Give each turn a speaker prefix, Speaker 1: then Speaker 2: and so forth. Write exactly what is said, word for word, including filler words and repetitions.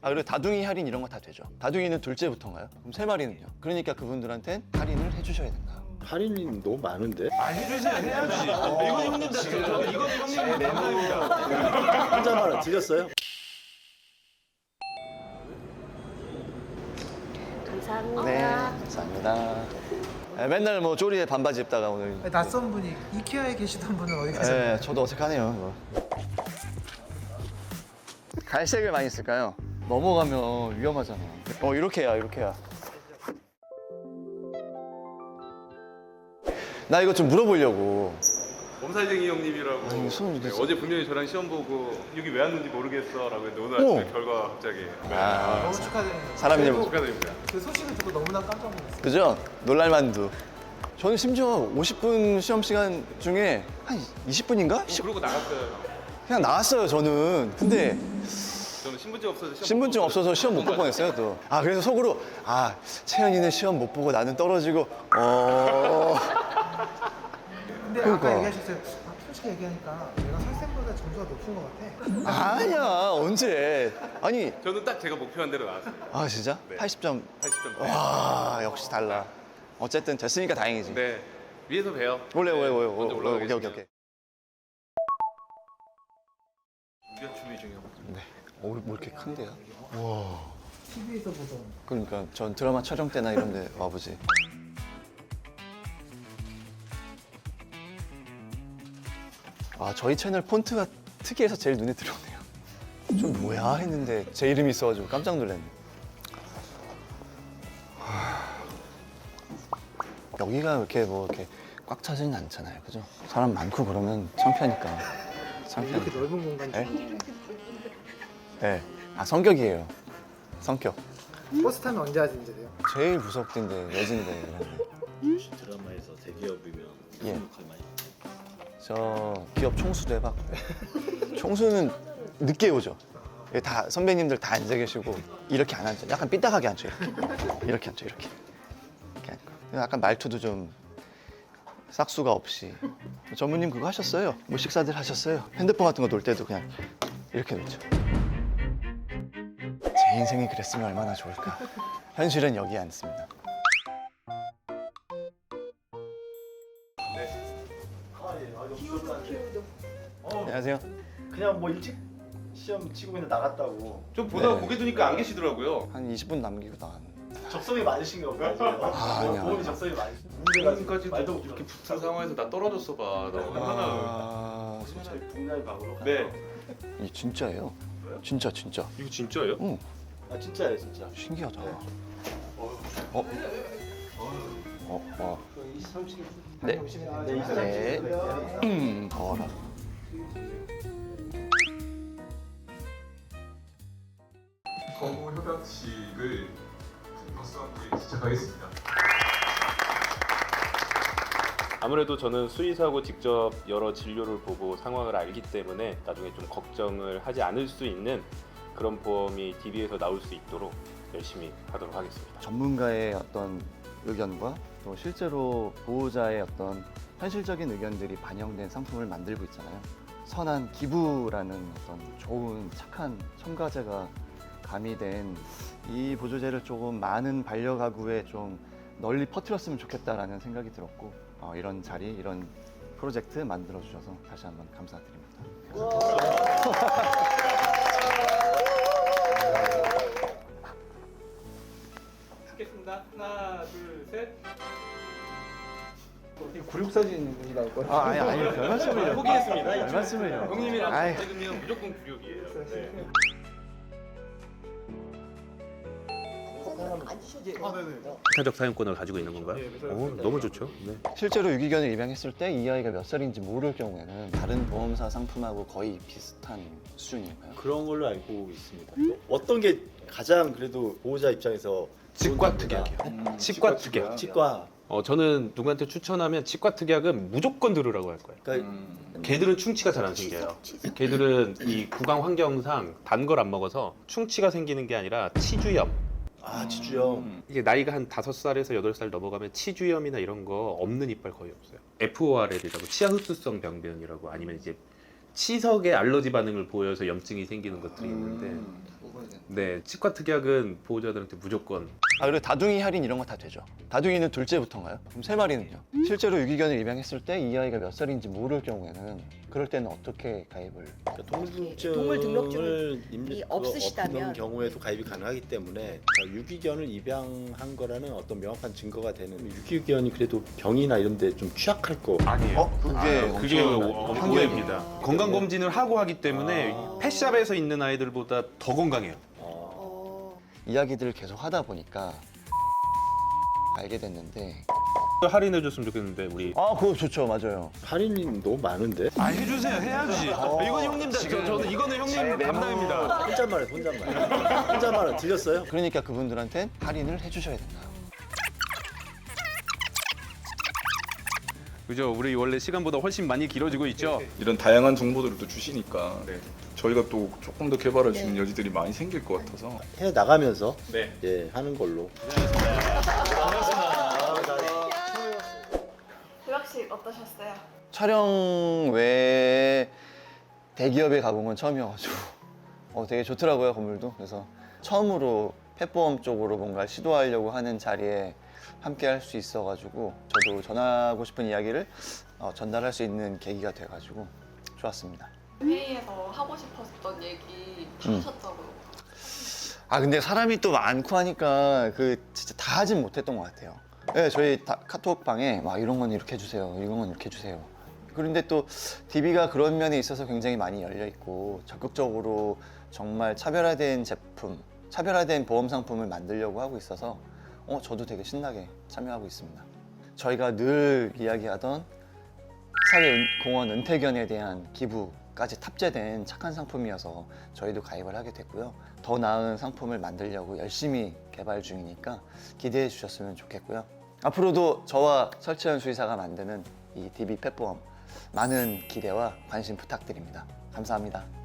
Speaker 1: 아 그리고 다둥이 할인 이런 거 다 되죠. 다둥이는 둘째부터인가요? 그럼 세 마리는요? 그러니까 그분들한텐 할인을 해주셔야 된다.
Speaker 2: 할인이 너무 많은데?
Speaker 3: 아 해주지 해야지. 이건 형님 답변. 이건 형님 답변입니다.
Speaker 2: 혼자만 드렸어요?
Speaker 4: 감사합니다.
Speaker 1: 네, 감사합니다. 네, 맨날 뭐 쪼리에 반바지 입다가 오늘.
Speaker 5: 낯선 분이 이케아에 계시던 분은 어디 가세요?
Speaker 1: 네, 저도 어색하네요. 이거. 갈색을 많이 쓸까요? 넘어가면 위험하잖아. 어 이렇게 해야 이렇게 해야. 나 이거 좀 물어보려고.
Speaker 3: 몸살쟁이 형님이라고.
Speaker 1: 아니, 손
Speaker 3: 네,
Speaker 1: 이렇게
Speaker 3: 어제 분명히 저랑 시험 보고 여기 왜 왔는지 모르겠어라고 했는데 오늘 아침에
Speaker 1: 오.
Speaker 3: 결과 갑자기. 네.
Speaker 1: 아,
Speaker 5: 너무 축하드립니다.
Speaker 1: 사람 일
Speaker 3: 축하드립니다.
Speaker 5: 그 소식을 듣고 너무나 깜짝 놀랐어요.
Speaker 1: 그죠? 놀랄만두. 저는 심지어 오십 분 시험 시간 중에 한 이십 분인가?
Speaker 3: 어, 그러고 나갔어요.
Speaker 1: 그냥 나왔어요, 저는. 근데
Speaker 3: 저는 신분증 없어서 시험
Speaker 1: 신분증
Speaker 3: 못
Speaker 1: 없어서 시험 못 볼 뻔했어요, 또. 아, 그래서 속으로, 아, 채연이는 시험 못 보고 나는 떨어지고, 어.
Speaker 5: 근데
Speaker 1: 그러니까.
Speaker 5: 아까 얘기하셨어요. 아, 솔직히 얘기하니까 내가 설쌤보다 점수가 높은 것 같아.
Speaker 1: 아니야, 언제. 아니,
Speaker 3: 저는 딱 제가 목표한 대로 나왔어요.
Speaker 1: 아, 진짜?
Speaker 3: 네.
Speaker 1: 팔십 점.
Speaker 3: 팔십 점.
Speaker 1: 와, 역시 달라. 어쨌든 됐으니까 다행이지.
Speaker 3: 네. 위에서 봬요.
Speaker 1: 원래, 원래,
Speaker 3: 네,
Speaker 1: 원래,
Speaker 3: 먼저
Speaker 1: 원래, 오케이, 오케이,
Speaker 3: 올라가겠습니다.
Speaker 1: 오케이.
Speaker 3: 우리가 준비 중이요.
Speaker 1: 네. 어, 뭐 이렇게 큰데요?
Speaker 5: 티비에서 보던.
Speaker 1: 그러니까 전 드라마 촬영 때나 이런 데 와보지. 아, 저희 채널 폰트가 특이해서 제일 눈에 들어오네요. 좀 뭐야 했는데 제 이름이 있어가지고 깜짝 놀랐네. 하... 여기가 이렇게 뭐 이렇게 꽉 차지는 않잖아요, 그죠? 사람 많고 그러면 창피하니까.
Speaker 5: 이렇게
Speaker 1: 창피하니까.
Speaker 5: 넓은 공간
Speaker 1: 네?
Speaker 5: 중
Speaker 1: 네. 아, 성격이에요. 성격.
Speaker 5: 버스 타면 언제 하진대요?
Speaker 1: 제일 무섭던데, 여진데. 이런데.
Speaker 2: 드라마에서 대기업이면
Speaker 1: 예.
Speaker 2: 무슨 역할 많이
Speaker 1: 저 기업 총수도 해봤고 총수는 늦게 오죠. 여기 다 선배님들 다 앉아 계시고 이렇게 안 앉아. 약간 삐딱하게 앉죠. 이렇게 이렇게 앉죠. 이렇게 이렇게 앉고. 약간 말투도 좀 싹수가 없이. 전무님 그거 하셨어요? 뭐 식사들 하셨어요? 핸드폰 같은 거 놓을 때도 그냥 이렇게 놓죠. 제 인생이 그랬으면 얼마나 좋을까. 현실은 여기 앉습니다. 안녕하세요.
Speaker 2: 그냥 뭐 일찍 시험 치고 그냥 나갔다고.
Speaker 3: 좀 보다가
Speaker 1: 네.
Speaker 3: 고개 두니까 안 계시더라고요.
Speaker 1: 한 이십 분 남기고 나왔는데.
Speaker 2: 적성이 많으신가 보다 지금.
Speaker 1: 아, 아니야.
Speaker 2: 보험이 적성이 많으신.
Speaker 3: 지금까지
Speaker 2: 말도 못
Speaker 3: 이렇게
Speaker 2: 들었어.
Speaker 3: 붙은 상황에서 나 떨어졌어 봐. 나 얼마나.
Speaker 1: 아,
Speaker 2: 저희 분야의 방으로.
Speaker 3: 네.
Speaker 1: 이 진짜예요. 진짜 진짜.
Speaker 3: 이거 진짜예요?
Speaker 1: 응,
Speaker 2: 아 진짜예요 진짜.
Speaker 1: 신기하다. 어? 어? 어? 네. 네. 음, 더워라.
Speaker 6: 업무 협약식을 박수 함께 시작하겠습니다.
Speaker 7: 아무래도 저는 수의사고 직접 여러 진료를 보고 상황을 알기 때문에 나중에 좀 걱정을 하지 않을 수 있는 그런 보험이 디비에서 나올 수 있도록 열심히 하도록 하겠습니다.
Speaker 1: 전문가의 어떤 의견과 또 실제로 보호자의 어떤 현실적인 의견들이 반영된 상품을 만들고 있잖아요. 선한 기부라는 어떤 좋은 착한 첨가제가 가미된 이 보조제를 조금 많은 반려가구에 좀 널리 퍼뜨렸으면 좋겠다라는 생각이 들었고 어, 이런 자리, 이런 프로젝트 만들어 주셔서 다시 한번 감사드립니다.
Speaker 7: 찍겠습니다. 하나, 둘, 셋.
Speaker 5: 구육 사진이 나올 거예요.
Speaker 1: 아, 아니, 아니, 별 말씀을요.
Speaker 7: 포기했습니다.
Speaker 1: 별 말씀을요.
Speaker 7: 형님이랑
Speaker 1: 아이.
Speaker 7: 찍으면 무조건 구육이에요. 네. 타적 사용권을 가지고 있는 건가요? 오, 너무 좋죠. 네.
Speaker 1: 실제로 유기견을 입양했을 때 이 아이가 몇 살인지 모를 경우에는 다른 보험사 상품하고 거의 비슷한 수준일까요?
Speaker 2: 그런 걸로 알고 있습니다. 어떤 게 가장 그래도 보호자 입장에서
Speaker 7: 치과
Speaker 2: 좋은
Speaker 7: 특약이요.
Speaker 2: 겁니다.
Speaker 7: 치과 특약.
Speaker 2: 치과.
Speaker 7: 어, 저는 누구한테 추천하면 치과 특약은 무조건 들으라고 할 거예요.
Speaker 2: 그러니까
Speaker 7: 개들은 충치가 잘 안 생겨요. 개들은 이 구강 환경상 단 걸 안 먹어서 충치가 생기는 게 아니라 치주염.
Speaker 2: 아 지주요.
Speaker 7: 이게 나이가 한 다섯 살에서 여덟 살 넘어가면 치주염이나 이런 거 없는 이빨 거의 없어요. 에프오알엘이라고 치아 흡수성 병변이라고 아니면 이제 치석에 알러지 반응을 보여서 염증이 생기는 것들이 있는데 네, 치과 특약은 보호자들한테 무조건.
Speaker 1: 아 그리고 다둥이 할인 이런 거 다 되죠. 다둥이는 둘째부터인가요? 그럼 세 마리는요? 실제로 유기견을 입양했을 때 이 아이가 몇 살인지 모를 경우에는 그럴 때는 어떻게 가입을?
Speaker 2: 그러니까 동물등록증을
Speaker 4: 동물 등록증이
Speaker 2: 입력-
Speaker 4: 없으시다면
Speaker 2: 없는 경우에도 가입이 가능하기 때문에 유기견을 입양한 거라는 어떤 명확한 증거가 되는 유기견이 그래도 병이나 이런 데 좀 취약할 거
Speaker 3: 아니에요.
Speaker 1: 어? 그게
Speaker 3: 그게
Speaker 1: 엄청
Speaker 3: 오해입니다. 건강 검진을 하고 하기 때문에
Speaker 2: 아.
Speaker 3: 펫샵에서 있는 아이들보다 더 건강해요.
Speaker 2: 어,
Speaker 4: 어,
Speaker 1: 이야기들을 계속 하다 보니까 알게 됐는데
Speaker 7: 할인해 줬으면 좋겠는데 우리
Speaker 1: 아 그거 좋죠. 맞아요.
Speaker 2: 할인이 너무 많은데
Speaker 3: 아 해주세요, 해야지. 이건 형님, 저, 저는 이거는 형님 담당입니다.
Speaker 2: 혼잣말해 혼잣말 혼잣말은 들렸어요?
Speaker 1: 그러니까 그분들한테 할인을 해주셔야 된다.
Speaker 3: 그죠? 우리 원래 시간보다 훨씬 많이 길어지고 있죠.
Speaker 6: 이런 다양한 정보들을 또 주시니까 저희가 또 조금 더 개발할 수 있는 여지들이 많이 생길 것 같아서
Speaker 2: 해 나가면서
Speaker 7: 네.
Speaker 2: 예 하는 걸로.
Speaker 8: 휴학식 어떠셨어요?
Speaker 1: 촬영 외에 대기업에 가본 건 처음이어가지고 어, 되게 좋더라고요 건물도. 그래서 처음으로 펫보험 쪽으로 뭔가 시도하려고 하는 자리에 함께 할 수 있어가지고 저도 전하고 싶은 이야기를 어, 전달할 수 있는 계기가 돼가지고 좋았습니다.
Speaker 8: 회의에서 하고 싶었던 얘기 다
Speaker 1: 음.
Speaker 8: 하셨다고요.
Speaker 1: 아 근데 사람이 또 많고 하니까 그 진짜 다 하진 못했던 것 같아요. 네, 저희 다 카톡방에 막 이런 건 이렇게 해주세요, 이런 건 이렇게 해주세요. 그런데 또 디비가 그런 면에 있어서 굉장히 많이 열려 있고 적극적으로 정말 차별화된 제품, 차별화된 보험 상품을 만들려고 하고 있어서 어 저도 되게 신나게 참여하고 있습니다. 저희가 늘 이야기하던 사회공헌 은퇴견에 대한 기부까지 탑재된 착한 상품이어서 저희도 가입을 하게 됐고요. 더 나은 상품을 만들려고 열심히 개발 중이니까 기대해 주셨으면 좋겠고요. 앞으로도 저와 설채연 수의사가 만드는 이 디비 펫보험 많은 기대와 관심 부탁드립니다. 감사합니다.